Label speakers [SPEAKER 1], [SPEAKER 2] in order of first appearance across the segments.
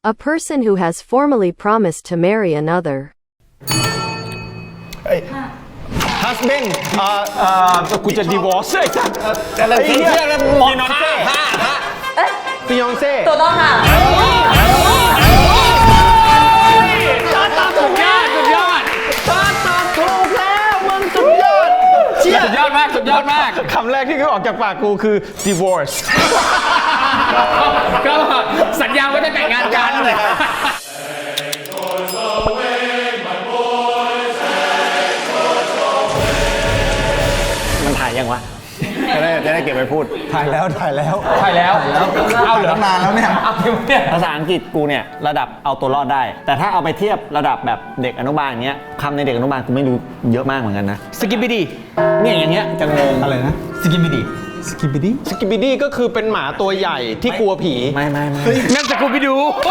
[SPEAKER 1] A person who has formally promised to marry another.
[SPEAKER 2] husband
[SPEAKER 3] กูจะ divorce ไอ้สัส
[SPEAKER 2] อะไรเชื่อแล้วมอนเซ่ฟิยองเซ่
[SPEAKER 4] ถูกต้องค่ะ
[SPEAKER 3] สุดยอดสุดยอด
[SPEAKER 2] ตอบถูกแล้วมึงสุดยอดเชี่ย
[SPEAKER 3] สุดยอดมากสุดยอดมาก
[SPEAKER 2] คำแรกที่เขาออกจากปากกูคือ divorce
[SPEAKER 3] ก็สัญญาว่าจะแต่งงานกัน
[SPEAKER 2] มันถ่ายยังวะจะได้เก็บไปพูด
[SPEAKER 5] ถ่ายแล้ว
[SPEAKER 3] ถ่ายแล้วเอาเหรอ
[SPEAKER 5] ตั้งนานแล้วเนี่ย
[SPEAKER 3] เอาเนี่ย
[SPEAKER 2] ภาษาอังกฤษกูเนี่ยระดับเอาตัวรอดได้ แต่ถ้าเอาไปเทียบระดับแบบเด็กอนุบาลอย่างเงี้ยคำในเด็กอนุบาลกูไม่รู้เยอะมากเหมือนกันนะ
[SPEAKER 3] สกิปปี้ดี
[SPEAKER 2] เนี่ยอย่างเงี้ยจะงง
[SPEAKER 5] อะไรนะ
[SPEAKER 3] สกิปปี้ดี
[SPEAKER 5] สกิปปี้ดิ
[SPEAKER 6] สกิปปิดี้ก็คือเป็นหมาตัวใหญ่ที่กลัวผี
[SPEAKER 2] ไม่
[SPEAKER 3] นั่นสกูปปี้ดู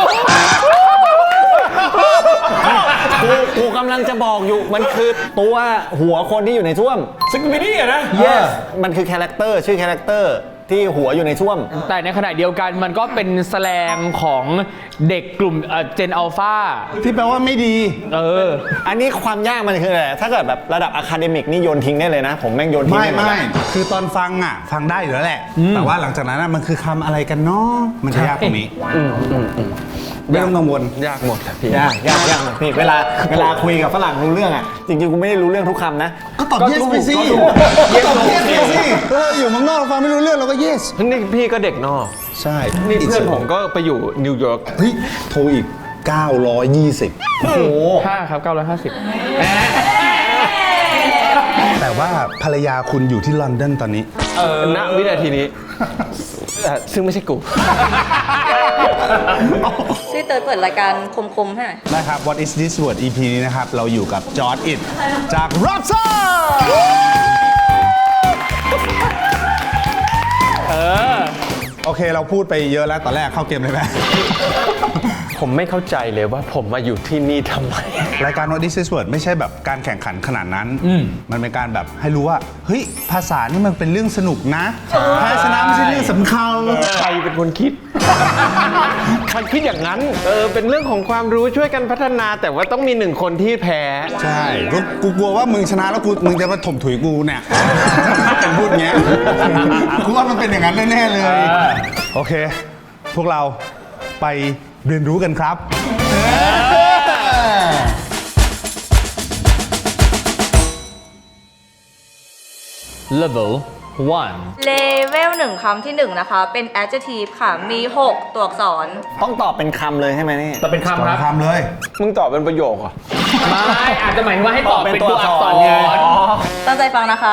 [SPEAKER 2] กูกำลังจะบอกอยู่มันคือตัวหัวคนที่อยู่ในช่วม
[SPEAKER 3] สกิปปี้ดีอะนะ
[SPEAKER 2] yes มันคือคาแรคเตอร์ชื่อคาแรคเตอร์ที่หัวอยู่ในช่วม
[SPEAKER 3] แต่ในขณะเดียวกันมันก็เป็นแสลงของเด็กกลุ่มเจนอัลฟา
[SPEAKER 5] ที่แปลว่าไม่ดี
[SPEAKER 2] อันนี้ความยากมันคืออะไรถ้าเกิดแบบระดับอะคาเดมิกนี่โยนทิ้งได้เลยนะ ผมแม่งโยนทิ้ง
[SPEAKER 5] ไม่คือตอนฟังอ่ะ ฟังได้อยู่แล้วแหละ แต่ว่าหลังจากนั้นมันคือคำอะไรกันเนาะมันจะยากตรงนี้ไม่ต้องกังวล
[SPEAKER 6] ยากหมดอะพี่
[SPEAKER 2] ยากพี่เวลาคุยกับฝรั่งรู้เรื่องอ่ะจริงๆกูไม่ได้รู้เรื่องทุกคำนะ
[SPEAKER 5] ก็ตอบ yes ไปสิตอบ yes ไปสิอยู่เมืองนอกเราฟังไม่รู้เรื่องเราก็ yes
[SPEAKER 6] นี่พี่ก็เด็กนอก
[SPEAKER 5] ใช่
[SPEAKER 6] นี่เพื่อนผมก็ไปอยู่นิวยอร์ก
[SPEAKER 5] เฮ้ยโทรอีก 920
[SPEAKER 2] โอ้โห
[SPEAKER 3] 5 ครับ 950
[SPEAKER 5] แต่ว่าภรรยาคุณอยู่ที่ลอนดอนตอนนี้
[SPEAKER 6] ณวินาทีนี้ซึ่งไม่ใช่กู
[SPEAKER 4] ช่วยเติร์ดเปิดรายการคมๆให้หน่อย
[SPEAKER 5] นะครับ What is this word EP นี้นะครับ เราอยู่กับจอร์จอิดจาก Robson โอเคเราพูดไปเยอะแล้วตอนแรกเข้าเกมเลยไหม
[SPEAKER 6] ผมไม่เข้าใจเลยว่าผมมาอยู่ที่นี่ทำไม
[SPEAKER 5] รายการ What is this word ไม่ใช่แบบการแข่งขันขนาดนั้น มันเป็นการแบบให้รู้ว่า เฮ้ย ภาษานี่มันเป็นเรื่องสนุกนะแพ้ชนะไม่ใช่เรื่องสำคัญ
[SPEAKER 6] ใครเป็นคนคิด ใครคิดอย่างนั้น เป็นเรื่องของความรู้ช่วยกันพัฒนา แต่ว่าต้องมีหนึ่งคนที่แพ้
[SPEAKER 5] ใช่กูกลัวว่ามึงชนะแล้วมึงจะมาถมถุยกูเนี่ยเป็นพูดเงี้ยกูว่ามันเป็นอย่างนั้นแน่ๆเลย โอเค พวกเราไปเรียนรู้กันครับ
[SPEAKER 3] level 1
[SPEAKER 4] เลเวล1คำที่1นะคะเป็น adjective ค่ะมี 6 ตัวอักษร
[SPEAKER 2] ต้องตอบเป็นคำเลยใช่ไหมนี่
[SPEAKER 3] ต่อเป็นคำครับ
[SPEAKER 5] ทำเลย
[SPEAKER 6] มึงตอบเป็นประโยคเหรอ
[SPEAKER 3] ไม่อาจจะหมายถึงว่าให้ตอบเป็นตัวอักษร
[SPEAKER 2] ไง
[SPEAKER 4] ตั้งใจฟังนะคะ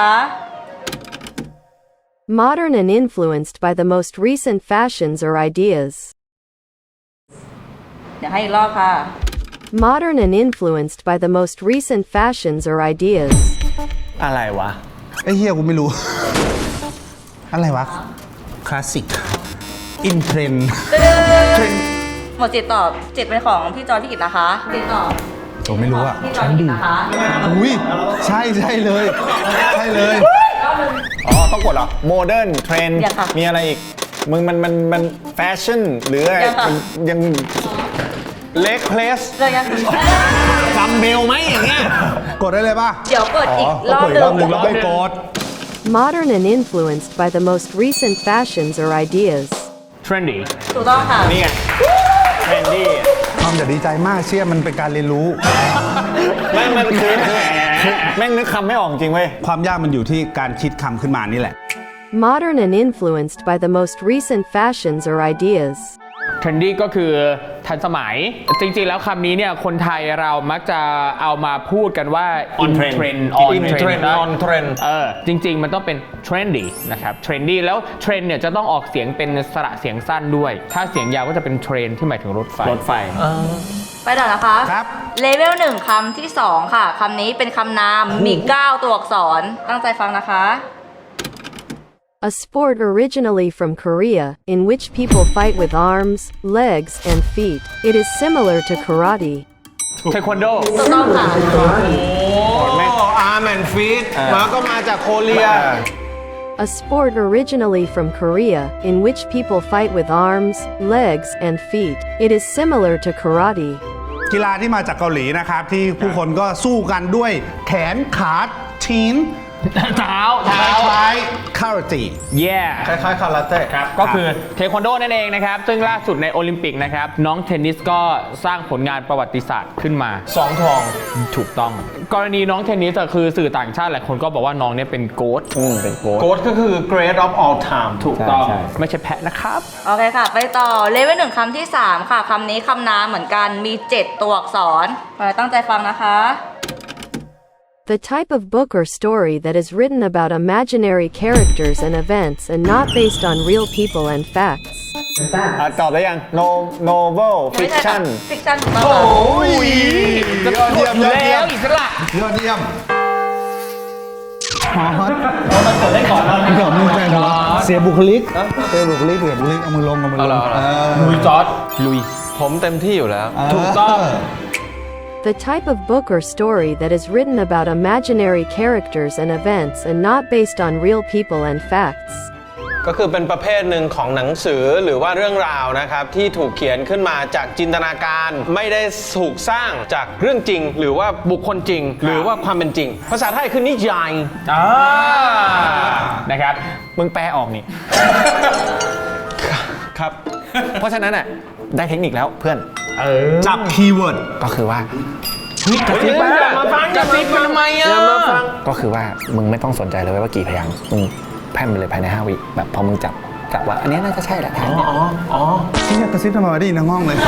[SPEAKER 1] Modern and influenced by the most recent fashions or ideas.
[SPEAKER 4] เดี๋ยวให้อีกรอบค่ะ
[SPEAKER 1] Modern and influenced by the most recent fashions or ideas.
[SPEAKER 2] อะไรวะ
[SPEAKER 5] ไอ้เฮียกูไม่รู้ อะไรวะ คลาสสิก อินเทรนด์
[SPEAKER 4] หมดจิตตอบจิตเป็นของพี่จอยพี่กิตนะคะจิตตอบ
[SPEAKER 5] ผมไม่รู้อะ
[SPEAKER 4] พี่จอยพี่กิตนะคะ
[SPEAKER 5] อุ้ยใช่เลย ใช่เลย
[SPEAKER 2] อ๋อ ต้องกดเหรอ โมเดิร์น เทรนด์
[SPEAKER 4] ยังค่ะ
[SPEAKER 2] มีอะไรอีก มันแฟชั่น หรืออะไร
[SPEAKER 4] ยังค่ะ
[SPEAKER 2] ยัง
[SPEAKER 6] เล็กเพลส
[SPEAKER 4] เรื่องยัง
[SPEAKER 2] ซัมเบลไหมอย่างเงี้ย
[SPEAKER 5] กดได้เลยป่ะ
[SPEAKER 4] เดี๋ยวกดอีกรอบ
[SPEAKER 5] กด
[SPEAKER 4] ห
[SPEAKER 5] อีกรอบหนึ่
[SPEAKER 4] นึ่
[SPEAKER 5] ง
[SPEAKER 4] ง
[SPEAKER 5] แล้วไปกด
[SPEAKER 1] Modern and influenced by the most recent fashions or ideas.
[SPEAKER 3] trendy
[SPEAKER 4] ถูกต้องค่ะ
[SPEAKER 2] นี่ไง เทรนดี้
[SPEAKER 5] ความอย่าดีใจมากเชื่อมันเป็นการเรียนรู้
[SPEAKER 2] มันคือแม่งนึกคำไม่ออกจริงเว้ย
[SPEAKER 5] ความยากมันอยู่ที่การคิดคำขึ้นมานี่แหละ
[SPEAKER 1] Modern and influenced by the most recent fashions or ideas.
[SPEAKER 3] trendy ก็คือทันสมัย จริงๆ แล้วคำนี้เนี่ยคนไทยเรามักจะเอามาพูดกันว่า
[SPEAKER 2] On trend
[SPEAKER 3] trend
[SPEAKER 6] In trend on trend
[SPEAKER 3] จริงๆ มันต้องเป็น trendy นะครับ trendy แล้ว trend เนี่ยจะต้องออกเสียงเป็นสระเสียงสั้นด้วย ถ้าเสียงยาวก็จะเป็น train ที่หมายถึงรถไฟ
[SPEAKER 2] รถไฟ
[SPEAKER 4] ไปต่อนะคะ
[SPEAKER 5] ครับ
[SPEAKER 4] เลเวล1คำที่ 2 ค่ะคำนี้เป็นคำนามมี 9 ตัวอักษร ตั้งใจฟังนะคะ
[SPEAKER 1] A sport originally from Korea, in which people fight with arms, legs, and feet. It is similar to karate.
[SPEAKER 3] เทควันโด
[SPEAKER 4] ถูกต้องค่ะ
[SPEAKER 6] อาร์แมนฟีดมาก็มาจากโคเรีย
[SPEAKER 1] A sport originally from Korea, in which people fight with arms, legs, and feet. It is similar to karate.
[SPEAKER 5] กีฬาที่มาจากเกาหลีนะครับ ที่ผู้คนก็สู้กันด้วยแขนขาทีน
[SPEAKER 3] เท้า
[SPEAKER 5] คล้ายคาราเต้
[SPEAKER 3] yeah
[SPEAKER 6] คล้ายๆคาราเต้
[SPEAKER 3] ครับก็คือเทควันโดนั่นเองนะครับ ซึ่งล่าสุดในโอลิมปิกนะครับ น้องเทนนิสก็สร้างผลงานประวัติศาสตร์ขึ้นมา
[SPEAKER 6] 2 ทอง
[SPEAKER 3] ถูกต้อง กรณีน้องเทนนิสอะคือสื่อต่างชาติหลายคนก็บอกว่าน้องเนี่ยเป็นโกด
[SPEAKER 2] เป็นโกด
[SPEAKER 6] โกดก็คือ great of all time
[SPEAKER 3] ถูกต้อง
[SPEAKER 2] ใช่
[SPEAKER 3] ไม่ใช่แพะนะครับ
[SPEAKER 4] โอเคค่ะ ไปต่อเลเวล1คำที่ 3 ค่ะ คำนี้คำนามเหมือนกัน มี 7 ตัวอักษรตั้งใจฟังนะคะ
[SPEAKER 1] The type of book or story that is written about imaginary characters and events and not based on real people and facts.
[SPEAKER 2] ตอบได้ยัง novel
[SPEAKER 4] ไม่ใช่ค่ะ
[SPEAKER 2] fiction
[SPEAKER 4] fiction ถูกต้องค่ะ
[SPEAKER 5] ยอดเยี่ยมยอดเยี่ยม
[SPEAKER 3] อิสระ
[SPEAKER 5] ยอดเยี่ยมเสียบุคลิกเสียบุคลิกเอามือลง
[SPEAKER 3] ลุยจอร์ดลุย
[SPEAKER 6] ผมเต็มที่อยู่แล้ว
[SPEAKER 3] ถูกต้อง
[SPEAKER 1] The type of book or story that is written about imaginary characters and events and not based on real people and facts.
[SPEAKER 6] ก็คือเป็นประเภทหนึ่งของหนังสือหรือว่าเรื่องราวนะครับ ที่ถูกเขียนขึ้นมาจากจินตนาการไม่ได้ถูกสร้างจากเรื่องจริง หรือว่าบุคคลจริง หรือว่าความเป็นจริง ภาษาไทยคือนิยาย
[SPEAKER 3] นะครับ
[SPEAKER 2] มึงแปลออกนี่
[SPEAKER 6] ครับ
[SPEAKER 2] เพราะฉะนั้นอ่ะได้เทคนิคแล้วเพื่อน
[SPEAKER 5] จับคีย์เวิร์ด
[SPEAKER 2] ก็คือว่า
[SPEAKER 3] กระซิบ
[SPEAKER 6] อย่ามาฟัง
[SPEAKER 3] กระซิบทำไมอ่ะ
[SPEAKER 6] อย่ามาฟัง
[SPEAKER 2] ก็คือว่ามึงไม่ต้องสนใจเลยว่ากี่พยางค์มึงแพร่มไปเลยภายใน5 วิแบบพอมึงจับว่าอันนี้น่าจะใช่แหละทางเนี่ย
[SPEAKER 5] ที่กระซิบทำไมได้ยินทั้งห้องเลย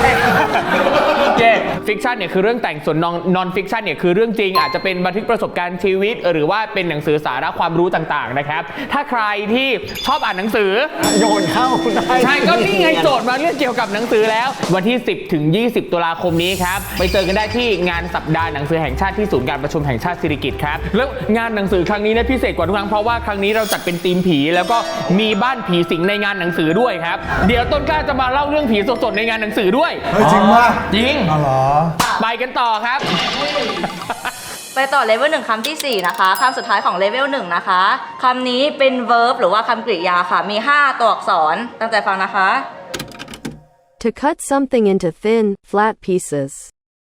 [SPEAKER 3] ฟิกชันเนี่ยคือเรื่องแต่งส่วนนอนฟิกชันเนี่ยคือเรื่องจริงอาจจะเป็นบันทึกประสบการณ์ชีวิตหรือว่าเป็นหนังสือสาระความรู้ต่างๆนะครับถ้าใครที่ชอบอ่านหนังสือ
[SPEAKER 2] โยนเข้าคุณได้
[SPEAKER 3] ใช่ก็นี่ไงโจทย์มาเรื่องเกี่ยวกับหนังสือแล้ววันที่ 10 ถึง 20 ตุลาคมนี้ครับไปเจอกันได้ที่งานสัปดาห์หนังสือแห่งชาติที่ศูนย์การประชุมแห่งชาติสิริกิติ์ครับแล้วงานหนังสือครั้งนี้เนี่ยพิเศษกว่าทุกครั้งเพราะว่าครั้งนี้เราจัดเป็นธีมผีแล้วก็มีบ้านผีสิงในงานหนังสือด้วยครับเดี๋ยวต้นกล้าจะมาเล่าเรื่องผีสดๆในงานหนังสือด้วย
[SPEAKER 5] เฮ้ยจริงป่ะ
[SPEAKER 3] จริง
[SPEAKER 5] อ๋อเหรอ
[SPEAKER 3] ไปกันต่อครับ
[SPEAKER 4] ไปต่อเลเวล1คำที่ 4 นะคะคำสุดท้ายของเลเวล1นะคะคำนี้เป็น verb หรือว่าคำกริยาค่ะ มี 5 ตัวอักษรตั้งใจฟังนะคะ
[SPEAKER 1] To cut something into thin, flat pieces.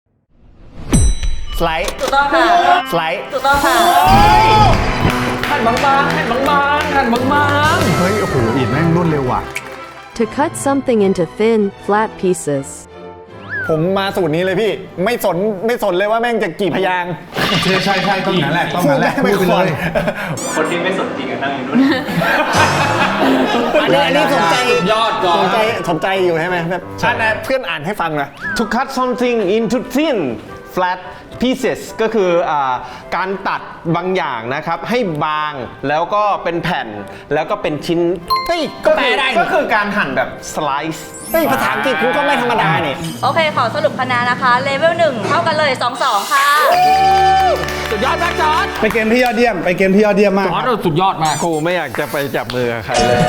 [SPEAKER 2] สไลด์
[SPEAKER 4] ถูกต้องค่ะ
[SPEAKER 2] สไลด์
[SPEAKER 4] ถูกต้องค่ะ
[SPEAKER 3] หั่นบางๆหั่นบางๆหั่นบาง
[SPEAKER 5] เฮ้ย โอ้โหอิดแม่งรวดเร็วว่ะ
[SPEAKER 1] To cut something into thin, flat pieces.
[SPEAKER 2] ผมมาสูตรนี้เลยพี่ ไม่สนเลยว่าแม่งจะกี่พยางค์
[SPEAKER 5] ใช่ต้องนั้นแหละต้องนั้นแหละ
[SPEAKER 2] ไม่
[SPEAKER 5] พูด
[SPEAKER 2] ค
[SPEAKER 5] ไป
[SPEAKER 2] ว
[SPEAKER 5] เล
[SPEAKER 2] ร
[SPEAKER 5] ย
[SPEAKER 3] คนที่ไม่สนจริงนั่งอยู่นู่น
[SPEAKER 2] อันนี้สนใจ
[SPEAKER 3] ยอดก่อน
[SPEAKER 2] สนใจอยู่ใช่ไหมแบบเพื่อนอ่านให้ฟังหน่อย
[SPEAKER 6] to cut something into thin flat pieces ก็คือการตัดบางอย่างนะครับให้บางแล้วก็เป็นแผ่นแล้วก็เป็นชิ้น
[SPEAKER 2] เฮ้ย
[SPEAKER 6] ก็
[SPEAKER 2] แปล
[SPEAKER 6] คือ
[SPEAKER 2] ได้
[SPEAKER 6] ก็คือการหั่นแบบ slice
[SPEAKER 2] เฮ้ยภาษาอังกฤษกูก็ไม่ธรรมดาเนี่ย
[SPEAKER 4] โอเค ขอสรุปคะแนนนะคะเลเวล1เท่ากันเลย 2-2 ค่ะ
[SPEAKER 3] สุดยอดมากจอร์ด
[SPEAKER 5] ไปเกมที่ยอดเยี่ยม ไปเกมที่ยอดเยี่ยมมาก
[SPEAKER 3] จอร์ดเราสุดยอดมาก
[SPEAKER 6] ครูไม่อยากจะไปจับมือกับใครเลย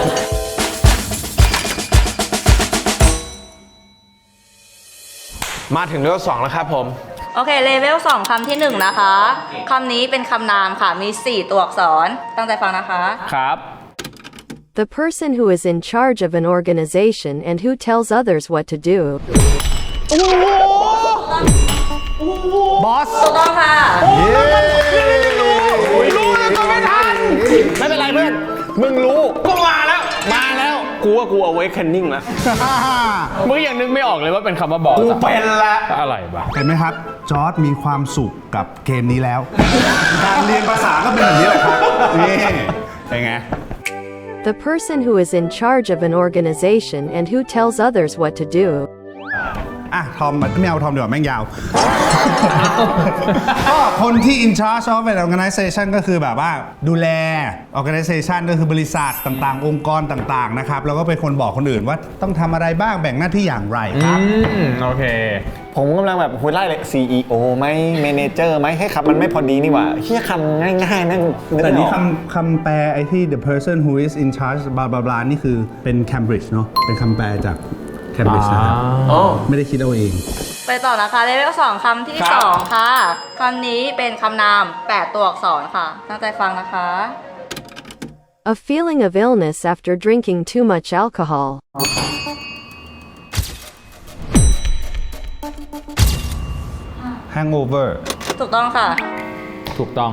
[SPEAKER 6] มาถึงเลเวล2แล้วครับผม
[SPEAKER 4] โอเค เลเวล2คำที่ 1 นะคะคำนี้เป็นคำนามค่ะ มี 4 ตัวอักษร ตั้งใจฟังนะคะ
[SPEAKER 3] ครับ
[SPEAKER 1] The person who is in charge of an organization and who tells others what to do.
[SPEAKER 5] บอส
[SPEAKER 4] ถูกต้องค่ะ
[SPEAKER 2] ไม่เป็นไรเพื่อน มึงรู้
[SPEAKER 3] ก็มาแล้ว
[SPEAKER 6] กูว่ากู awakening แล้ว
[SPEAKER 3] มึงยังนึกไม่ออกเลยว่าเป็นคำว่าบอส
[SPEAKER 6] กู
[SPEAKER 3] อะ
[SPEAKER 6] เป็นละ
[SPEAKER 3] อะไรบ้า
[SPEAKER 5] เห็นไหมครับ จอร์ดมีความสุขกับเกมนี้แล้ว การเรียนภาษาก็เป็นแบบนี้แหละครับ นี่เป็นไง
[SPEAKER 1] The person who is in charge of an organization and who tells others what to do.
[SPEAKER 5] อ่ะ ทอมไม่เอาทอมเดี๋ยวาแม่งยาว ก็คนที่ in charge of an organization ก็คือแบบว่าดูแล organization ก็คือบริษัทต่างๆ องค์กรต่างๆนะครับแล้วก็เป็นคนบอกคนอื่นว่าต้องทำอะไรบ้างแบ่งหน้าที่อย่างไรครับ
[SPEAKER 3] โอเค
[SPEAKER 2] ผมกำลังแบบคุยไล่เลย CEO ไหม Manager ไหมให้คำมันไม่พอดีนี่หว่าเฮียคำง่ายๆนั่งนึก
[SPEAKER 5] แต่
[SPEAKER 2] ไม่อ
[SPEAKER 5] นี่
[SPEAKER 2] อก
[SPEAKER 5] คำแปลไอ้ที่ the person who is in charge บลาบลาบลานี่คือเป็น Cambridge เนาะเป็นคำแปลจาก Cambridge นะครับไม่ได้คิดเอาเอง
[SPEAKER 4] ไปต่อนะคะเลเวล2คำที่ 2 ค่ะคำนี้เป็นคำนาม 8 ตัวอักษรค่ะ ตั้งใจฟังนะคะ
[SPEAKER 1] A feeling of illness after drinking too much alcohol.
[SPEAKER 5] hangover
[SPEAKER 4] ถูกต้องค่ะ
[SPEAKER 3] ถูกต้อง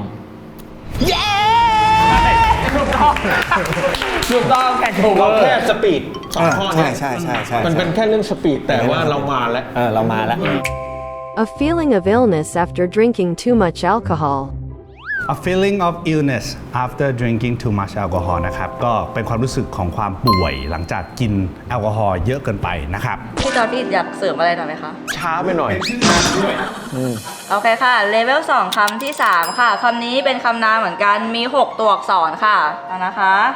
[SPEAKER 3] ถูกต้องแข่งถูก
[SPEAKER 6] เราแค่สปีดสองข้อ
[SPEAKER 2] ใช่
[SPEAKER 6] เนี่ย
[SPEAKER 2] ใช่ใช่ใช่
[SPEAKER 6] มันเป็นแค่เรื่องสปีดแต่ว่าเรามาแล้ว
[SPEAKER 2] เรามาแล้ว
[SPEAKER 1] A feeling of illness after drinking too much alcohol.
[SPEAKER 5] a feeling of illness after drinking too much alcohol นะครับก็เป็นความรู้สึกของความป่วยหลังจากกินแอลกอฮอล์เยอะเกินไปนะครับ
[SPEAKER 4] พี่จอร์พี่อยากเสริมอะไรหน่อยไหมคะ
[SPEAKER 6] ช้าไปหน่อย
[SPEAKER 4] โอเคค่ะ เลเวล 2 คำที่ 3 ค่ะ คำนี้เป็นคำนามเหมือนกัน มี 6 ตัวอักษรค่ะเอานะคะ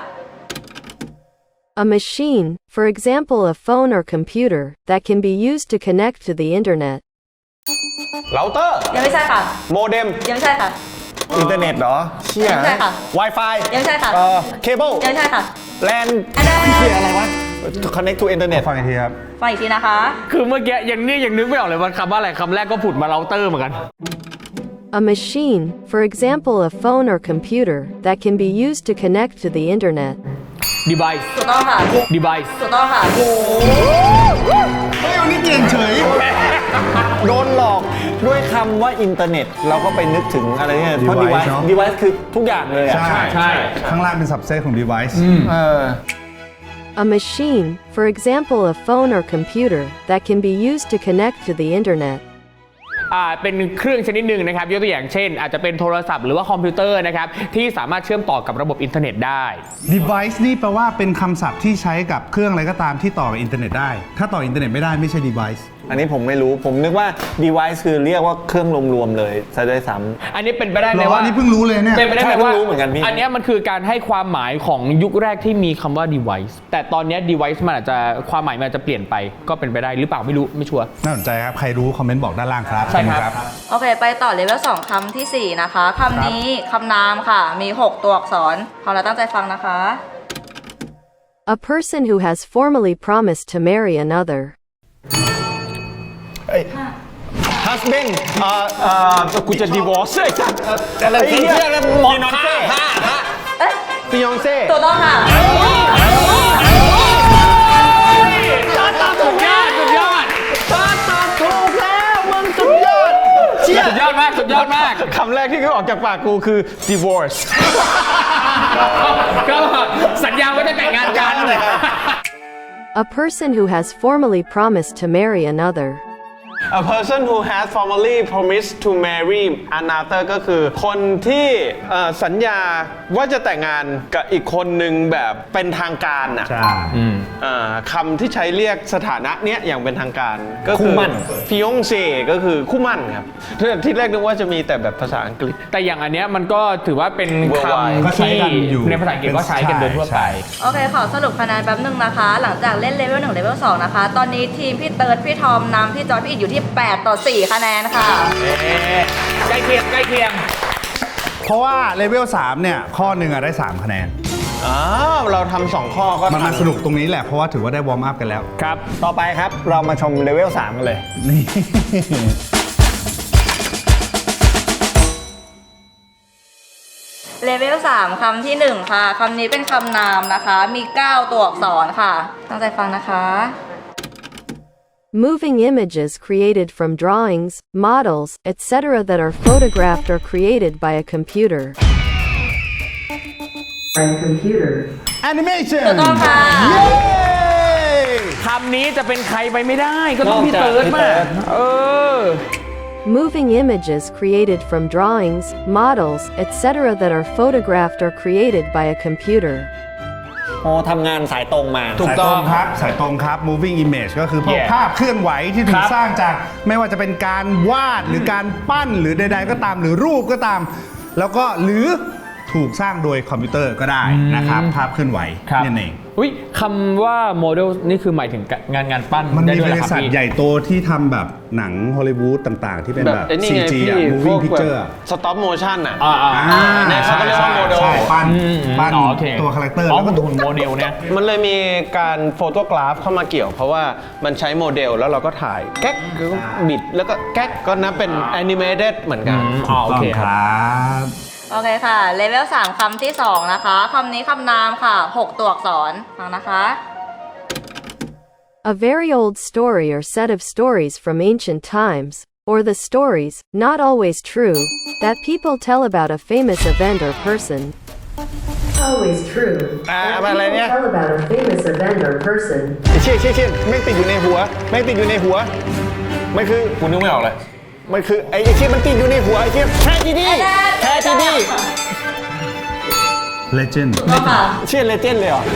[SPEAKER 1] A machine, for example a phone or computer, that can be used to connect to the internet.
[SPEAKER 6] เราเตอร์
[SPEAKER 4] ยังไม่ใช่ค่ะ
[SPEAKER 6] โมเด็ม
[SPEAKER 4] ยังไม่ใช่ค่ะ
[SPEAKER 2] อินเทอร์เน็ตเหรอเชี่ย
[SPEAKER 4] ยังไม่ใช่ค่ะ
[SPEAKER 2] Wi-Fi
[SPEAKER 4] ยังไม่ใช่ค่ะ
[SPEAKER 2] เคเบิล
[SPEAKER 4] ยังไม่ใช่ค่ะ
[SPEAKER 2] แลน
[SPEAKER 4] อันนั้น
[SPEAKER 2] เชี่ยอะไรวะ connect to internet
[SPEAKER 5] ฟังอีกทีครับ
[SPEAKER 4] ฟังอีกทีนะคะ
[SPEAKER 3] คือเมื่อกี้ยังนึกไม่ออกเลยว่าคำว่าอะไรคำแรกก็ผุดมาเราเตอร์เหมือนกัน
[SPEAKER 1] A machine, for example a phone or computer, that can be used to connect to the internet.
[SPEAKER 3] device
[SPEAKER 4] ถูกต้องค่ะ
[SPEAKER 3] device
[SPEAKER 4] ถูกต้องค่ะ
[SPEAKER 5] เฮ้ยวันนี้เก่งเฉย
[SPEAKER 2] โดนหลอกด้วยคำว่าอินเทอร์เน็ต เราก็ไปนึกถึงอะไรเนี่ยเพราะ
[SPEAKER 5] Device
[SPEAKER 2] device
[SPEAKER 5] เนอะ
[SPEAKER 2] device คือทุกอย่างเลยอ่ะ
[SPEAKER 3] ใช่
[SPEAKER 5] ข้างล่างเป็น subset ของ device
[SPEAKER 1] A machine, for example a phone or computer, that can be used to connect to the internet.
[SPEAKER 3] เป็นเครื่องชนิดหนึ่งนะครับยกตัวอย่างเช่น อาจจะเป็นโทรศัพท์หรือว่าคอมพิวเตอร์นะครับที่สามารถเชื่อมต่อกับระบบอินเทอร์เน็ตได้
[SPEAKER 5] device นี่แปลว่าเป็นคำศัพท์ที่ใช้กับเครื่องอะไรก็ตามที่ต่อกับอินเทอร์เน็ตได้ ถ้าต่ออินเทอร์เน็ตไม่ได้ไม่ใช่ device
[SPEAKER 2] อันนี้ผมไม่รู้ ผมนึกว่า device คือเรียกว่าเครื่องรวมๆเลยซะด้วยซ้
[SPEAKER 3] อันนี้เป็นไปได้ไหม
[SPEAKER 5] เหรอ
[SPEAKER 3] ว่า
[SPEAKER 5] อันนี้เพิ่งรู้เลยเนี่ย
[SPEAKER 3] เป็นไปได้ไหม
[SPEAKER 2] ใช่เพิ่
[SPEAKER 3] ว่าง
[SPEAKER 2] รู้เหมือนกันพี่
[SPEAKER 3] อันเนี้ยมันคือการให้ความหมายของยุคแรกที่มีคำว่า device แต่ตอนเนี้ย device มันอาจจะความหมายมันอาจจะเปลี่ยนไปก็เป็นไปได้หรือเปล่าไม่รู้ไม่ชัวร์
[SPEAKER 5] น่าสนใจครับ ใครรู้คอมเมนต์บอกด้านล่างครับ
[SPEAKER 3] ใช่ครับ
[SPEAKER 4] โอเค ไปต่อเลเวล 2 คำทีสี่4 นะคะ คำนี้คำนามค่ะ มี 6 ตัวอักษรพอเราตั้งใจฟังนะคะ
[SPEAKER 1] A person who has formally promised to marry another.
[SPEAKER 2] husband
[SPEAKER 6] กูจะ divorce ไอ้สัส
[SPEAKER 2] อะไร
[SPEAKER 6] ไอ้เหี้ยแล้วมองผ้า
[SPEAKER 4] เอ๊ะ
[SPEAKER 6] ฟิยองเซ่
[SPEAKER 4] ถูกต้องค่ะ
[SPEAKER 3] สุดยอดสุดยอด
[SPEAKER 6] ถูกแล้วมึงสุดยอดเชี่ย
[SPEAKER 3] สุดยอดมากสุดยอดมาก
[SPEAKER 6] คำแรกที่เขาออกจากปากกูคือ divorce
[SPEAKER 3] ก็สัญญาว่าจะแต่งงานกัน
[SPEAKER 1] A person who has formally promised to marry another.
[SPEAKER 6] A person who has formally promised to marry another ก็คือคนที่สัญญาว่าจะแต่งงานกับอีกคนหนึ่งแบบเป็นทางการน่ะ
[SPEAKER 5] ใช่
[SPEAKER 6] คำที่ใช้เรียกสถานะเนี้ยอย่างเป็นทางการก็คือ
[SPEAKER 2] คู่หมั้น
[SPEAKER 6] fiancé ก็คือคู่หมั่นครับที่แรกนึกว่าจะมีแต่แบบภาษาอังกฤษ
[SPEAKER 3] แต่อย่างอันเนี้ยมันก็ถือว่าเป็น
[SPEAKER 6] Worldwide
[SPEAKER 5] ก็
[SPEAKER 3] คำ
[SPEAKER 5] ใช้
[SPEAKER 3] ที่
[SPEAKER 5] กันอยู่
[SPEAKER 3] ในภาษาอังกฤษก็ใช้กันโดยทั่วไป
[SPEAKER 5] ใช่
[SPEAKER 4] โอเค ขอสรุปคะแนนแป๊บนึงนะคะ หลังจากเล่นเลเวล 1 เลเวล 2 นะคะ ตอนนี้ทีมพี่เติร์ดพี่ทอมนำพี่จอร์ดพี่อิดอยู่ที่ 8 ต่อ 4 คะแนนค่ะ
[SPEAKER 3] ใกล้เคียงใกล้เคียง
[SPEAKER 5] เพราะว่าเลเวล3เนี่ยข้อหนึ่งอะได้ 3 คะแนน
[SPEAKER 6] เราทำ2ข้อก็
[SPEAKER 5] มันมาสนุกตรงนี้แหละ เพราะว่าถือว่าได้วอร์มอัพกันแล้ว
[SPEAKER 3] ครับ
[SPEAKER 2] ต่อไปครับ เรามาชมเลเวล 3 กันเลย
[SPEAKER 5] นี่
[SPEAKER 4] เลเวล 3 คำที่ 1 ค่ะ คำนี้เป็นคำนามนะคะ มี 9 ตัวอักษรค่ะ ตั้งใจฟังนะคะ
[SPEAKER 1] Moving images created from drawings, models, etc. that are photographed or created by a computer.
[SPEAKER 5] animation
[SPEAKER 4] ถูกต้องค่ะ
[SPEAKER 3] คำนี้จะเป็นใครไปไม่ได้ ก็ต้องพี่
[SPEAKER 2] นอกจาก
[SPEAKER 3] เติร์ด
[SPEAKER 2] พี่
[SPEAKER 3] มา
[SPEAKER 2] เติร์ด
[SPEAKER 1] Moving images created from drawings, models, etc. that are photographed or created by a computer.
[SPEAKER 2] โอ้ทำงานสายตรงมา
[SPEAKER 3] ถูก
[SPEAKER 5] สายตรงครับ สายตรงครับ moving image ก็คือพวก
[SPEAKER 3] Yeah
[SPEAKER 5] ภาพเคลื่อนไหวที่ถู
[SPEAKER 3] ค
[SPEAKER 5] ก
[SPEAKER 3] รับ
[SPEAKER 5] สร้างจากไม่ว่าจะเป็นการวาดหรือการปั้นหรือใดๆก็ตามหรือรูปก็ตาม แล้วก็หรือถูกสร้างโดยคอมพิวเตอร์ก็ได้นะครับ ภาพเคลื่อนไหว
[SPEAKER 3] ครับ
[SPEAKER 5] นั่นเอง
[SPEAKER 3] อุ้ยคำว่าโมเดลนี่คือหมายถึงงานปั้น
[SPEAKER 5] มัน
[SPEAKER 3] ได้
[SPEAKER 5] มี
[SPEAKER 3] ด้วย
[SPEAKER 5] บ
[SPEAKER 3] เหรอ
[SPEAKER 5] ริ
[SPEAKER 3] ครับ
[SPEAKER 5] ษัท
[SPEAKER 3] พี่
[SPEAKER 5] ใหญ่โตที่ทำแบบหนังฮอลลีวูดต่างๆ ที่เป็นแบบ
[SPEAKER 6] ไอ้นี่ไง
[SPEAKER 5] CG
[SPEAKER 6] พี่
[SPEAKER 5] อะ
[SPEAKER 6] พว
[SPEAKER 5] moving
[SPEAKER 6] กแบบ
[SPEAKER 5] picture อะ
[SPEAKER 6] stop motion อ่ะ
[SPEAKER 5] เนี่ย
[SPEAKER 6] เขาก็เรียกว่าโมเดล
[SPEAKER 5] ใช่ปั้นปั้น
[SPEAKER 3] อ๋อโอเค
[SPEAKER 5] ตัวคาแรคเตอร์
[SPEAKER 3] อ๋อ
[SPEAKER 5] แล้วก็
[SPEAKER 3] หุ่นโมเดลเนี่ย
[SPEAKER 6] มันเลยมีการโฟโตกราฟเข้ามาเกี่ยว เพราะว่ามันใช้โมเดลแล้วเราก็ถ่ายแก๊กบิดแล้วก็แก๊กก็นับเป็นแอนิเมเต็ดเหมือนกัน
[SPEAKER 3] อ๋อโอเค
[SPEAKER 5] ต้อง
[SPEAKER 3] ค
[SPEAKER 5] ครับ รับ
[SPEAKER 4] โอเคค่ะเลเวล3คำที่2นะคะคำนี้คำนามค่ะ6ตัวอักษรฟังนะคะ
[SPEAKER 1] A very old story or set of stories from ancient times, or the stories, not always true, that people tell about a famous event or person. Always true.
[SPEAKER 2] อะไรเนี่ย
[SPEAKER 1] Tell about a famous event or person.
[SPEAKER 2] เชี่ยแม่งติดอยู่ในหัวมันคือ
[SPEAKER 6] คุณนึกไม่ออกเลย
[SPEAKER 2] มันคือไอ้เชี่ยมันติดอยู่ในหัวไอ้เชี่ยแทจีดี
[SPEAKER 5] legend
[SPEAKER 4] ก็ค่ะ
[SPEAKER 2] เชี่ยเลเจนด์เลยเหรอ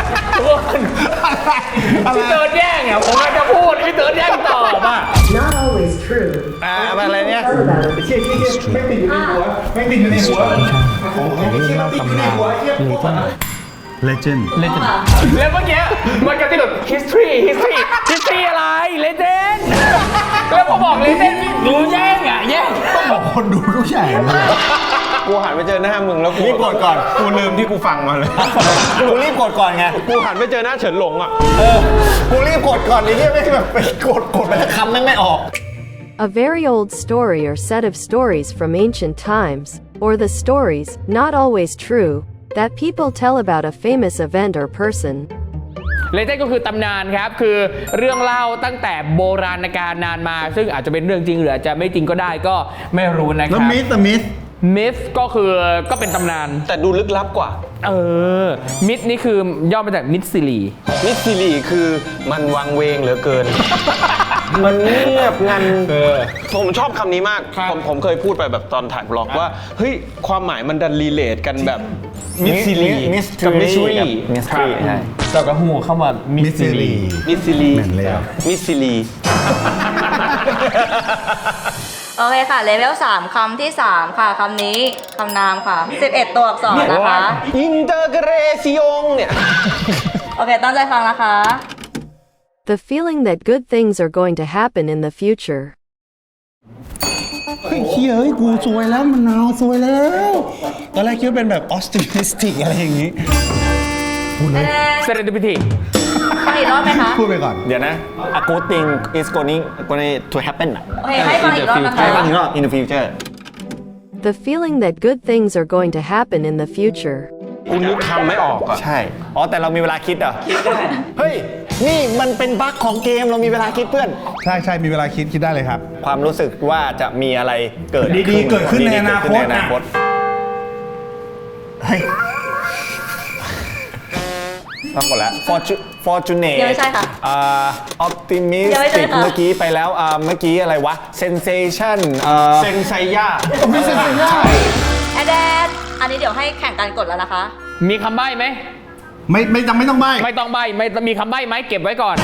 [SPEAKER 3] พี่เติร์ดแย่งอ่ะผมกำลังจะพูดพี่เติร์ดแย่งตอบอ่ะ
[SPEAKER 1] Not always true.
[SPEAKER 2] อะไรเนี่ย
[SPEAKER 1] Tell about a
[SPEAKER 2] แม่งติดอยู่ในหัวของเรื่องเล่าตำนาน
[SPEAKER 5] legend
[SPEAKER 3] แล้วเมื่อกี้มันกระติแบบ history อะไร legend แล้วพอบอก legend รู้แย่งอ่ะแย่ง
[SPEAKER 5] คนดูทุกอย่างเลย
[SPEAKER 6] กูหันไปเจอหน้ามึงแล้วกู
[SPEAKER 2] รีบกดก่อน
[SPEAKER 6] กูลืมที่กูฟังมาเลย
[SPEAKER 2] กูรีบกดก่อนไง
[SPEAKER 6] กูหันไปเจอหน้าเฉินหลงอ่ะ
[SPEAKER 2] กูรีบกดก่อนไอ้เหี้ยไม่แบบไปกดไปแล้วคำแม่งไม่ออก
[SPEAKER 1] A very old story or set of stories from ancient times, or the stories, not always true, that people tell about a famous event or person.
[SPEAKER 3] เลเจนด์ก็คือตำนานครับ คือเรื่องเล่าตั้งแต่โบราณกาลนานมา ซึ่งอาจจะเป็นเรื่องจริงหรืออาจจะไม่จริงก็ได้ก็ไม่รู้นะค
[SPEAKER 5] แล้
[SPEAKER 3] รั
[SPEAKER 5] ว
[SPEAKER 3] บ
[SPEAKER 5] มิส
[SPEAKER 3] myth ก็เป็นตำนาน
[SPEAKER 6] แต่ดูลึกลับกว่า
[SPEAKER 3] myth นี่คือย่อมาจากมิสซิลี
[SPEAKER 6] มิสซิลีคือมันวังเวงเหลือเกิน มันเงียบงันผมชอบคำนี้มาก ผมเคยพูดไปแบบตอนถ่ายบล็อกว่า เฮ้ย ความหมายมันดันรีเลทกันแบบมิสซิลีกับมิสซิลี
[SPEAKER 2] mystery ใช่
[SPEAKER 3] เราก็หูเข้ามามิสซิลี
[SPEAKER 6] มิสซิลี
[SPEAKER 5] เหมือนเลยอะ
[SPEAKER 6] มิสซิลี
[SPEAKER 4] โอเคค่ะเลเวล3คำที่3ค่ะคำนี้คำนามค่ะ11ตัวอักษรนะคะ
[SPEAKER 6] อินเตอร์เกรซิองเนี่ย
[SPEAKER 4] โอเคตั้งใจฟังนะคะ
[SPEAKER 1] The feeling that good things are going to happen in the future.
[SPEAKER 5] เฮ้ยเฮ้ยกูซวยแล้วมันนาวซวยแล้ว ตอนแรกคิดว่าเป็นแบบ optimistic อะไรอย่างงี้
[SPEAKER 3] serendipity
[SPEAKER 4] ฟังอีกรอบไหมคะ
[SPEAKER 5] พูดไปก่อน
[SPEAKER 2] เดี๋ยวนะ a good thing is going to happen อ่ะ
[SPEAKER 4] โอเคให้ฟังอีกรอบนะคะ
[SPEAKER 2] ใช่ป่ะอีกรอบ in the future
[SPEAKER 1] The feeling that good things are going to happen in the future.
[SPEAKER 6] กูนึกคำไม่ออกอ่ะ
[SPEAKER 2] ใช่ อ๋อ แต่เรามีเวลาคิดเหรอ เฮ้ย นี่มันเป็นบั๊กของเกม เรามีเวลาคิดเพื่อน
[SPEAKER 5] ใช่มีเวลาคิดได้เลยครับ
[SPEAKER 2] ความรู้สึกว่าจะมีอะไรเกิด
[SPEAKER 5] ดีๆเกิดขึ้นในอนาคต
[SPEAKER 2] ดีๆเกิดขึ้นในอนาคตเฮ้ยต้องหมดแล้ว fortunate
[SPEAKER 4] ยังไม่ใช่ค่ะ
[SPEAKER 2] optimistic
[SPEAKER 4] ยังไม่ใช่ค่ะ
[SPEAKER 2] เมื่อกี้ไปแล้วเมื่อกี้อะไรวะ sensation
[SPEAKER 6] เซนไซย่า
[SPEAKER 5] ไม่ใช่
[SPEAKER 4] แอดแดดอันนี้เดี๋ยวให้แข่งกันกดแล้วนะคะ
[SPEAKER 3] มีคำใบ้ไหม
[SPEAKER 5] ไม่ต้องใบ้
[SPEAKER 3] ไม่ต้องใบ้ไม่มีคำใบ้ไหมเก็บไว้ก่อน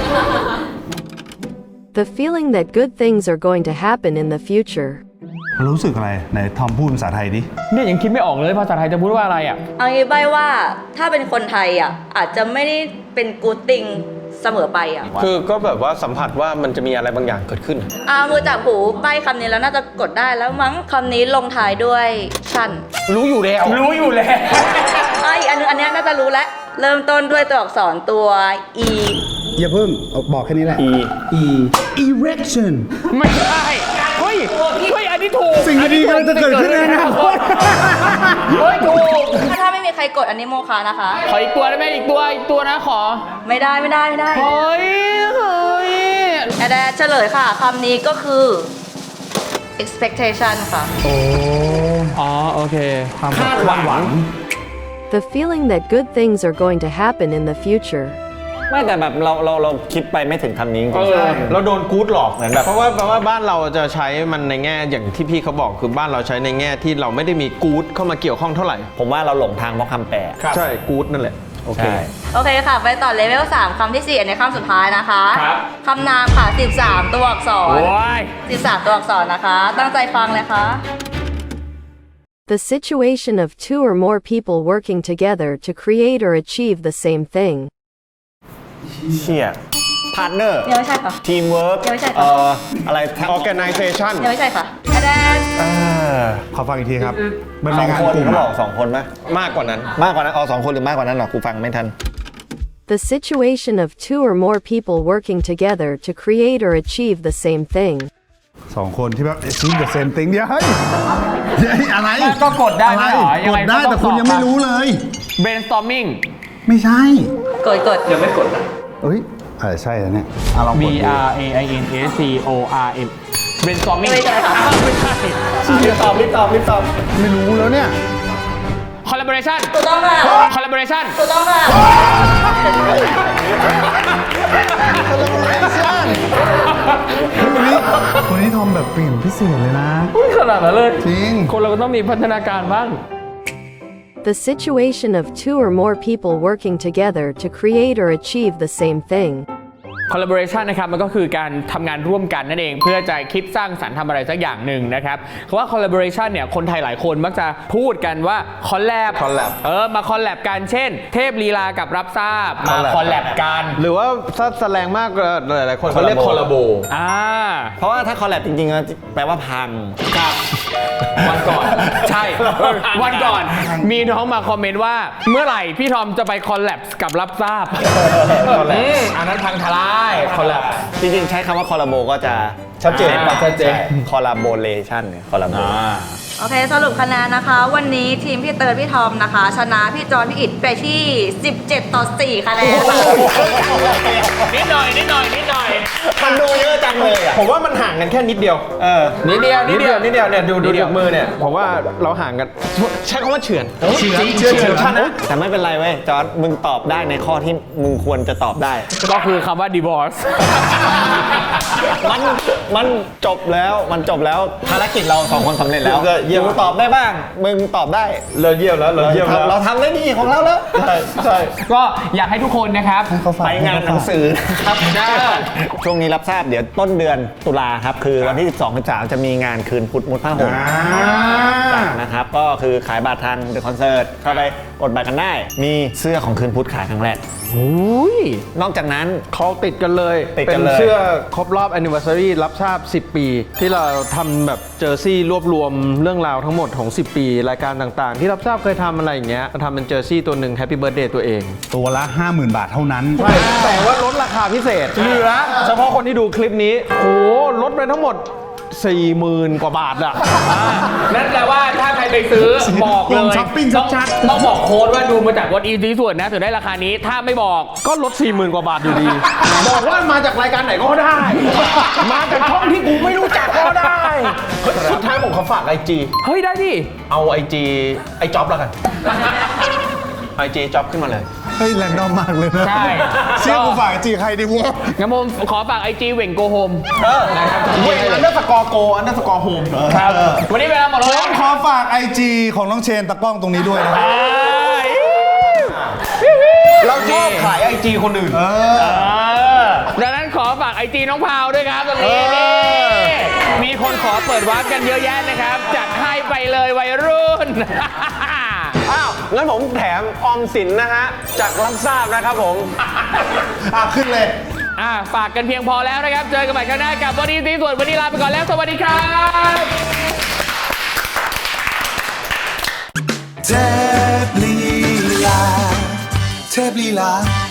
[SPEAKER 1] The feeling that good things are going to happen in the future.
[SPEAKER 5] รู้สึกอะไรไหนทอมพูดภาษาไทยดิ
[SPEAKER 3] เนี่ยยังคิดไม่ออกเลยภาษาไทยจะพูดว่าอะไรอ่ะ
[SPEAKER 4] เอางี้ใบว่าถ้าเป็นคนไทยอ่ะอาจจะไม่ได้เป็นกูดติงเสมอไปอ่ะ
[SPEAKER 6] คือก็แบบว่าสัมผัสว่ามันจะมีอะไรบางอย่างเกิดขึ้น
[SPEAKER 4] มือจับหูใบคำนี้แล้วน่าจะกดได้แล้วมั้งคำนี้ลงท้ายด้วยชั่น
[SPEAKER 6] รู้อยู่แล้ว
[SPEAKER 3] รู้อยู่แล้ว
[SPEAKER 4] อีกอันนึงอันนี้น่าจะรู้แล้วเริ่มต้นด้วยตัวอักษรตัว e
[SPEAKER 5] อย่าเพิ่งบอกแค่นี้แหละ erection
[SPEAKER 3] ไม่ใช่เฮ้ยอันนี้ถูก
[SPEAKER 5] สิ่งดีๆกำลังจะเกิดขึ้นในอนาคต
[SPEAKER 3] เฮ้ยถูก
[SPEAKER 4] ถ้าไม่มีใครกดอันนี้โมคานะคะ
[SPEAKER 3] ขออีกตัวได้ไหมอีกตัวนะขอ
[SPEAKER 4] ไม่ได้
[SPEAKER 3] เฮ้ย
[SPEAKER 4] แอดแดดเฉลยค่ะคำนี้ก็คือ expectation ค่ะ
[SPEAKER 3] อ๋อโอเคความ
[SPEAKER 2] คาดหวัง
[SPEAKER 1] The feeling that good things are going to happen in the future.
[SPEAKER 2] ไม่แต่แบบเราคิดไปไม่ถึงคำนี้จริงๆ
[SPEAKER 6] เราโดนกู๊ดหลอก
[SPEAKER 2] เหมือนแบบ
[SPEAKER 6] เพราะว่าบ้านเราจะใช้มันในแง่อย่างที่พี่เขาบอกคือบ้านเราใช้ในแง่ที่เราไม่ได้มีกู๊ดเข้ามาเกี่ยวข้องเท่าไหร่
[SPEAKER 2] ผมว่าเราหลงทางเพราะคำแปล
[SPEAKER 6] ใช่กู๊ดนั่นแหละโอเค
[SPEAKER 2] ใช่
[SPEAKER 4] โอเคค่ะ ไปต่อเลเวล3คำที่ 4 อันนี้คำสุดท้ายนะคะ
[SPEAKER 3] ครับ
[SPEAKER 4] คำนามค่ะ 13 ตัวอักษร
[SPEAKER 3] โอ้ย
[SPEAKER 4] 13 ตัวอักษรนะคะ ตั้งใจฟังเลยค่ะ
[SPEAKER 1] The situation of two or more people working together to create or achieve the same thing.
[SPEAKER 2] เชี่ย partner
[SPEAKER 4] ยังไม่ใช่ค่ะ
[SPEAKER 2] teamwork
[SPEAKER 4] ยังไม่ใช่ค่ะ
[SPEAKER 2] อะไร
[SPEAKER 6] organization
[SPEAKER 4] ยังไม่ใช่ค่ะแอดแดด
[SPEAKER 5] ขอฟังอีกทีครับ มัน
[SPEAKER 2] ส
[SPEAKER 5] เป็
[SPEAKER 2] อน ง
[SPEAKER 5] งาน
[SPEAKER 2] คน
[SPEAKER 5] กลุ่ม
[SPEAKER 2] เขาบ
[SPEAKER 5] อะ
[SPEAKER 2] อกสองคนไหม
[SPEAKER 6] มากกว่านั้น
[SPEAKER 2] มากกว่านั้นสองคนหรือมากกว่านั้นหรอกูฟังไม่ทัน
[SPEAKER 1] The situation of two or more people working together to create or achieve the same thing.
[SPEAKER 5] 2 คนที่แบบซิงกับเซมติงเดียวเฮ้ยอะไร
[SPEAKER 3] ก็กดได้ไม่เหรอ
[SPEAKER 5] อะไร
[SPEAKER 3] ยัง
[SPEAKER 5] ก
[SPEAKER 3] ไง
[SPEAKER 5] ดได้
[SPEAKER 3] ก็ต้อง
[SPEAKER 5] แต่คุณยังไม่รู้เลย
[SPEAKER 3] brainstorming
[SPEAKER 5] ไม่ใช่
[SPEAKER 4] กด
[SPEAKER 3] ยังไม่กด
[SPEAKER 5] เอ้ยใช่แล้วเนี่ยลองก
[SPEAKER 3] B
[SPEAKER 5] ดดู
[SPEAKER 3] R A I N S C O R M brainstorming
[SPEAKER 4] ไม่ใช่ค่ะ
[SPEAKER 3] ไม่ใช่
[SPEAKER 2] รีบตอบ
[SPEAKER 5] ไม่รู้แล้วเนี่ย
[SPEAKER 3] collaboration
[SPEAKER 4] ถูกต้องค่ะ
[SPEAKER 3] collaboration
[SPEAKER 4] ถูกต้องค่ะ
[SPEAKER 5] วันนี้ทอมแบบเปลี่ยนพิเศษเลยนะ
[SPEAKER 3] ขนาดนั้นเลย
[SPEAKER 5] จริง
[SPEAKER 3] คนเราก็ต้องมีพัฒนาการบ้าง
[SPEAKER 1] The situation of 2 or more people working together to create or achieve the same thing.
[SPEAKER 3] collaboration นะครับมันก็คือการทำงานร่วมกันนั่นเองเพื่อจะคิดสร้างสรรค์ทำอะไรสักอย่างหนึ่งนะครับคำว่า collaboration เนี่ยคนไทยหลายคนมักจะพูดกันว่า collab มา collab กันเช่น เทพลีลากับรับทราบมา collab กัน
[SPEAKER 6] หรือว่าถ้าแสดงมากหลายๆคนเขาเรียกคอลลาโบ
[SPEAKER 2] เพราะว่าถ้าคอลแลบจริงๆแปลว่าพัง
[SPEAKER 3] ครับวันก่อน ใช่วันก่อนมีน้องมาคอมเมนต์ว่าเมื่อไหร่พี่ทอมจะไปคอลแลบกับรับทราบอันนั้นพังทลายคอลแลบ
[SPEAKER 2] จริงๆ ใช้คำว่าคอลลาโบก็จะ
[SPEAKER 6] ชัดเจน
[SPEAKER 3] ชัดเจน
[SPEAKER 2] คอลลาโบเลชันเนี่ยคอลลาโบ
[SPEAKER 4] โอเคสรุปคะแนนนะคะ วันนี้ทีมพี่เติร์ดพี่ทอมนะคะ ชนะพี่จอนพี่อิดไปที่ 17-4 คะแนนค่ะ
[SPEAKER 3] นิดหน่อย
[SPEAKER 2] มันดูเยอะจังเลยอ่ะ
[SPEAKER 6] ผมว่ามันห่างกันแค่นิดเดียว
[SPEAKER 3] นิดเดียว
[SPEAKER 6] เนี่ยดู
[SPEAKER 3] นิดเดียว
[SPEAKER 6] จากมือเนี่ยผมว่าเราห่างกันใช้คำว่าเฉือน
[SPEAKER 5] เชื่อชนะ
[SPEAKER 2] แต่ไม่เป็นไรเว้ย จอร์ดมึงตอบได้ในข้อที่มึงควรจะตอบได้
[SPEAKER 3] ก็คือคำว่า divorce
[SPEAKER 2] มันจบแล้วภารกิจเรา2 คนสำเร็จแล้ว
[SPEAKER 6] ก็เยี่ยม
[SPEAKER 2] มึงตอบได้บ้าง มึงตอบได้
[SPEAKER 6] เราเยี่ยมแล้วเราเยี่ยมแล้ว
[SPEAKER 2] เราทำได้ดีของเราแล้ว
[SPEAKER 6] ใช่
[SPEAKER 3] ก็อยากให้ทุกคนนะครับ
[SPEAKER 2] ไปงานหนังสือครับช่วงนี้รับทราบเดี๋ยวต้นเดือนตุลาครับ คือวันที่ 12-13 จะมีงานคืนพุทธมุดผ้าห่มนะครับ ก็คือขายบัตรทางเดอะคอนเสิร์ตเข้าไปกดบัตรกันได้ มีเสื้อของคืนพุทธขายครั้งแรกนอกจากนั้น
[SPEAKER 6] เขาติดกันเลย
[SPEAKER 2] ติดกั
[SPEAKER 6] เป็น น
[SPEAKER 2] เลย
[SPEAKER 6] เสื้อครบรอบ anniversary รับทราบ 10 ปี ที่เราทำแบบเจอร์ซี่รวบรวมเรื่องราวทั้งหมดของ 10 ปี รายการต่างๆ ที่รับทราบเคยทำอะไรอย่างเงี้ยทำเป็นเจอร์ซี่ตัวหนึ่ง Happy Birthday ตัวเอง
[SPEAKER 5] ตัวละ 50,000 บาทเท่านั้น
[SPEAKER 6] ใช่แต่ว่าลดราคาพิเศษเหลือเฉพาะคนที่ดูคลิปนี้โหลดไปทั้งหมด 40,000 กว่าบาทอะ
[SPEAKER 3] นั่นแปลว่าถ้าใครไปซื้อบอกเล
[SPEAKER 5] ลง
[SPEAKER 3] ย
[SPEAKER 5] ช้อปปิ้งชัด
[SPEAKER 3] ต้องบอกโค้ดว่าดูมาจากวอตอีซีส่วนนะถึงได้ราคานี้ถ้าไม่บอก
[SPEAKER 6] ก็ลด 40,000 กว่าบาทอยู่ดี บอกว่ามาจากรายการไหนก็ได้ มาจากช่องที่กูไม่รู้จักก็ได้เฮ้ยสุดท้ายผมขอฝาก IG
[SPEAKER 3] เฮ้ยได้ดิ
[SPEAKER 6] เอา IG ไอ้จ๊อบแล้วกัน IG จ๊อบขึ้นมาเลย
[SPEAKER 5] เฮ้ยแรนดอมมากเลยนะ
[SPEAKER 3] ใช่
[SPEAKER 5] เชื่อกูฝากจีใครดีวะ
[SPEAKER 3] งั้นผมขอฝาก IG เหว่งโกโฮม
[SPEAKER 6] นะครับเว้ยอันเดอร์สกอร์โกอันเดอร์สกอร์โฮม
[SPEAKER 3] ครับวันนี้เวลาหมด
[SPEAKER 5] ผ
[SPEAKER 3] แล้ว
[SPEAKER 5] มขอฝาก IG ของน้องเชนตะกล้องตรงนี้ด้วยนะครับ
[SPEAKER 6] เราชอบขาย IG คนอื่น
[SPEAKER 3] ดังนั้นขอฝาก IG น้องพาวด้วยครับตรงนี้นี่มีคนขอเปิดวาร์ปกันเยอะแยะนะครับ จัดให้ไปเลยวัยรุ่น
[SPEAKER 6] อ้าว งั้นผมแถมออมสินนะฮะ จากรับทราบนะครับผม
[SPEAKER 5] ขึ้นเลย
[SPEAKER 3] ฝากกันเพียงพอแล้วนะครับ เจอกันใหม่ครั้งหน้ากับวันนี้ตีส่วนวันนี้ลาไปก่อนแล้ว สวัสดีครับ
[SPEAKER 7] เทพลีลา